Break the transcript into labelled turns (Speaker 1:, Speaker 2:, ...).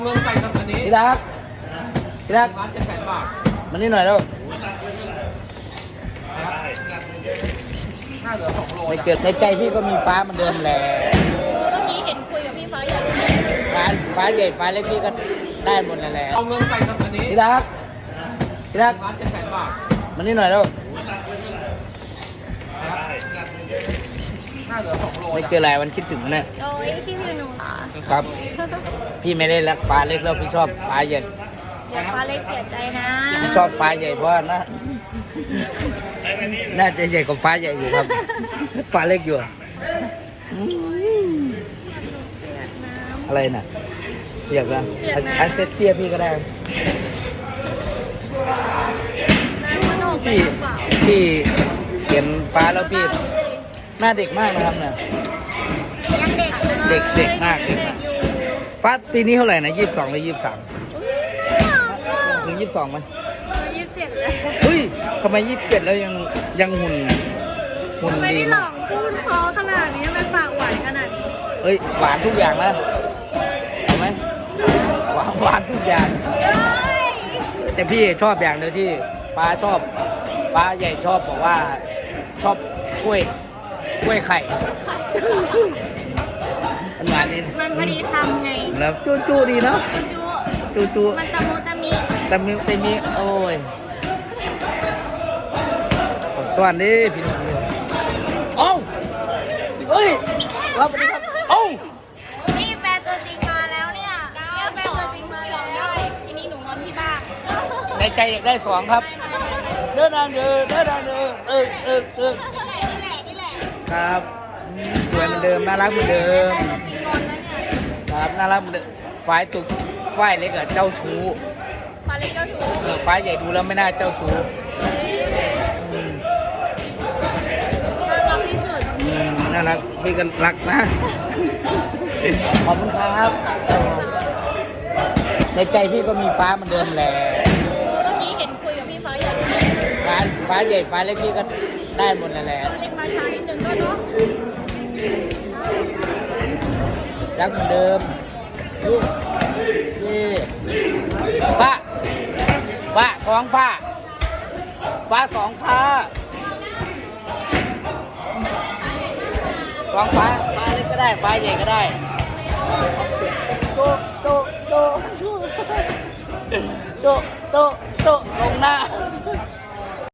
Speaker 1: เงินใส่กับอันนี้
Speaker 2: ที่รัก
Speaker 1: ร้าน700,000 บาท
Speaker 2: มันนี่หน่อยแล้ว
Speaker 1: น่าเหลือ2 โล
Speaker 2: ในเกิดในใจพี่ก็มีฟ้ามันเดิมแหละ
Speaker 3: เมื่อกี้เห็นคุยกับพี่ฟ้าใหญ่
Speaker 2: ฟ้าใหญ่ฟ้าเล็กพี่ก็ได้หมดแหละ
Speaker 1: เอาเงินใส่กับอันนี้
Speaker 2: ที่รัก
Speaker 1: ร้าน700,000 บาท
Speaker 2: มันนี่หน่อยแล้ว
Speaker 1: น่าเหลือ2 โล
Speaker 2: ไม่เจออะไรมันคิดถึงมันเนี่ย
Speaker 3: โอ้ยคิดถึงหนูเหรอ
Speaker 2: ครับพี่ไม่ได้รักฟ้าเล็กแล้วพี่ชอบฟ้าใหญ่
Speaker 3: เดี๋ยวฟ้าเล็กเสียใจนะ
Speaker 2: พี่ชอบฟ้าใหญ่เพราะว่าน่าจะใหญ่กว่าฟ้าใหญ่อยู่ครับฟ้าเล็กอยู่อะไรน่ะอยากนะอันเซ็ตเซียพี่ก็ได้พี่เห็นฟ้าแล้วพี่หน้าเด็กมากนะครับเนี่ย
Speaker 3: ยังเด็ก
Speaker 2: เด็กมากฟ้าปีนี้เท่าไหร่นะ22หรือ23ถึง22ไหม
Speaker 3: 27เลย
Speaker 2: เฮ้ยทำไม27แล้วยังหุ่น
Speaker 3: ไม่
Speaker 2: ดี
Speaker 3: ได้หลอกพูดเพอขนาดนี้มันปากหวานขนาดนี้
Speaker 2: เอ้ยหวานทุกอย่างนะเห็นไหมหวานทุกอย่างแต่พี่ชอบอย่างเดียวที่ฟ้าใหญ่ชอบบอกว่าชอบกล้วยไข่มันหวานดี
Speaker 3: มันพอดีทำไง
Speaker 2: แล้วจู้ดีเนาะจู้
Speaker 3: มันตะมุตะ
Speaker 2: มิโอ้ยสวัสดีพี่น้องเอ้าเฮ้ยรับไปครับเอ้า
Speaker 3: นี่แฟนตัวจริงมาแล้วเนี่ยแฟนตัวจริงมาแล้วทีนี้หนูงอนที่บ้าน
Speaker 2: ในใจอยากได้2ครับเดินทางเดิน
Speaker 3: นี่แหละ
Speaker 2: ครับสวยเหมือนเดิมน่ารักเหมือนเดิมครับน่ารักเหมือนเดิมฝ่ายเล็กอะเจ้าชู้
Speaker 3: ฟ้าเล็กเจ้าชู้
Speaker 2: ฝ่ายใหญ่ดูแล้วไม่น่าเจ้าชู้
Speaker 3: น่ารักที่สุด
Speaker 2: น่ารักพี่ก็รักนะขอบคุณครับในใจพี่ก็มีฟ้าเหมือนเดิมแหละ
Speaker 3: เมื่อกี้เห็นคุยกับพี่ฟ้าใหญ่
Speaker 2: ฟ้าใหญ่ฟ้าเล็กพี่ก็ได้หมดแหละ
Speaker 3: เล็กมาช้านิดนึงก็เนาะ
Speaker 2: รักเหมือนเดิมนี่ฟ้า2 ฟ้า2 ฟ้าฟ้าเล็กก็ได้ฟ้าใหญ่ก็ได้โตลงหน้า